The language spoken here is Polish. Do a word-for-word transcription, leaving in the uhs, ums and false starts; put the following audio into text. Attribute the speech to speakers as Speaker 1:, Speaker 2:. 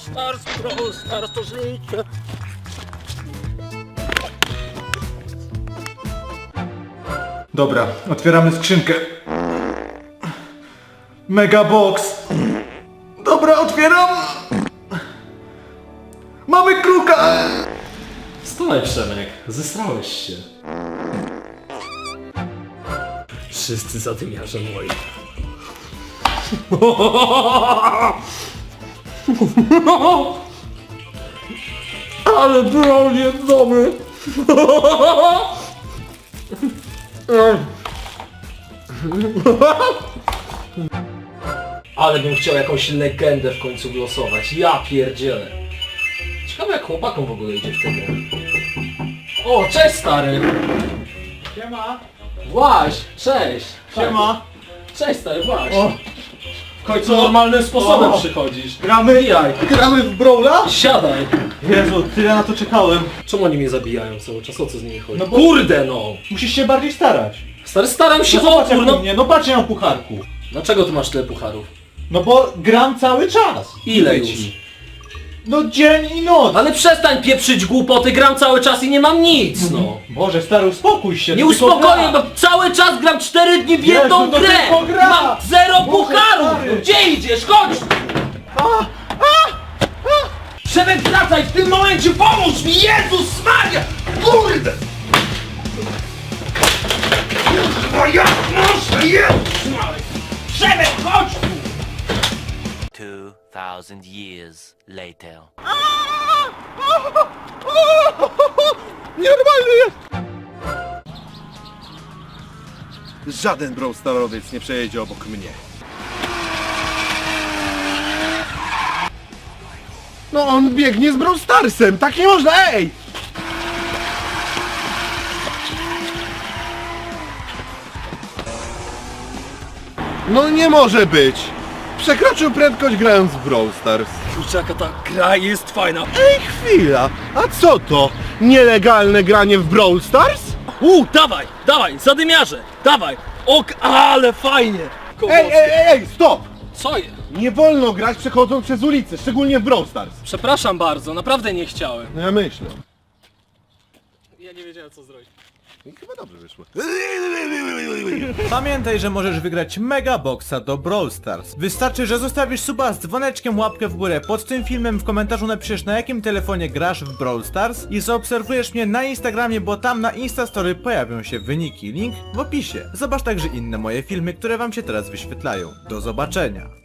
Speaker 1: Stars, Brawl Stars to życie.
Speaker 2: Dobra, otwieramy skrzynkę. Mega box. Dobra, otwieram. Mamy kruka.
Speaker 3: Stoj, Przemek, zesrałeś się. Wszyscy zadymiarze moi. Ale broń jest dobry. Ale bym chciał jakąś legendę w końcu głosować. Ja pierdzielę. Ciekawe jak chłopakom w ogóle idzie w tę grę. O, cześć stary!
Speaker 2: Siema.
Speaker 3: Właś, cześć!
Speaker 2: Siema.
Speaker 3: Cześć stary, właś!
Speaker 2: O.
Speaker 3: W końcu normalnym sposobem
Speaker 2: O.
Speaker 3: przychodzisz.
Speaker 2: Gramy,
Speaker 3: Jaj.
Speaker 2: gramy w Brawla?
Speaker 3: Siadaj!
Speaker 2: Jezu, tyle na to czekałem.
Speaker 3: Czemu oni mnie zabijają cały czas? O co z nimi chodzi?
Speaker 2: No bo-
Speaker 3: Kurde no!
Speaker 2: Musisz się bardziej starać.
Speaker 3: Stary, staram się
Speaker 2: No
Speaker 3: o
Speaker 2: zobacz jak u
Speaker 3: kurno!
Speaker 2: mnie, no patrz ja mam pucharku.
Speaker 3: Dlaczego ty masz tyle pucharów?
Speaker 2: No bo gram cały czas.
Speaker 3: Ile
Speaker 2: Mówię
Speaker 3: już?
Speaker 2: ci. No dzień i noc.
Speaker 3: Ale przestań pieprzyć głupoty, gram cały czas i nie mam nic, no!
Speaker 2: Boże stary, uspokój się.
Speaker 3: Nie
Speaker 2: to tylko
Speaker 3: uspokoję,
Speaker 2: gra.
Speaker 3: bo cały czas gram cztery dni w
Speaker 2: Jezu,
Speaker 3: jedną
Speaker 2: to
Speaker 3: grę!
Speaker 2: tylko gra!
Speaker 3: Mam zero
Speaker 2: Boże,
Speaker 3: pucharów!
Speaker 2: stary!
Speaker 3: Gdzie idziesz? Chodź! Przemek, wracaj w tym momencie, pomóż mi! Jezus Maria! Kurde! Kurwa, jak można? Jezus Maria! Przemek, chodź tu!
Speaker 4: Two thousand years later.
Speaker 5: Nienormalny jest! Żaden Brawl Starowiec nie przejedzie obok mnie. No on biegnie z Brawl Starsem, tak nie można, ej! No nie może być! Przekroczył prędkość grając w Brawl Stars.
Speaker 3: Kurczę, jaka ta gra jest fajna!
Speaker 5: Ej, chwila! A co to? Nielegalne granie w Brawl Stars?
Speaker 3: U, dawaj, dawaj, zadymiarze, dawaj! Ok, ale fajnie!
Speaker 5: Ej, ej, ej, ej, stop!
Speaker 3: Co je?
Speaker 5: Nie wolno grać przechodząc przez ulicę, szczególnie w Brawl Stars.
Speaker 3: Przepraszam bardzo, naprawdę nie chciałem.
Speaker 5: No ja myślę.
Speaker 3: Ja nie wiedziałem co zrobić.
Speaker 5: I chyba dobrze wyszło.
Speaker 2: Pamiętaj, że możesz wygrać Mega Boxa do Brawl Stars. Wystarczy, że zostawisz suba z dzwoneczkiem, łapkę w górę pod tym filmem, w komentarzu napiszesz na jakim telefonie grasz w Brawl Stars i zaobserwujesz mnie na Instagramie, bo tam na Instastory pojawią się wyniki. Link w opisie. Zobacz także inne moje filmy, które wam się teraz wyświetlają. Do zobaczenia.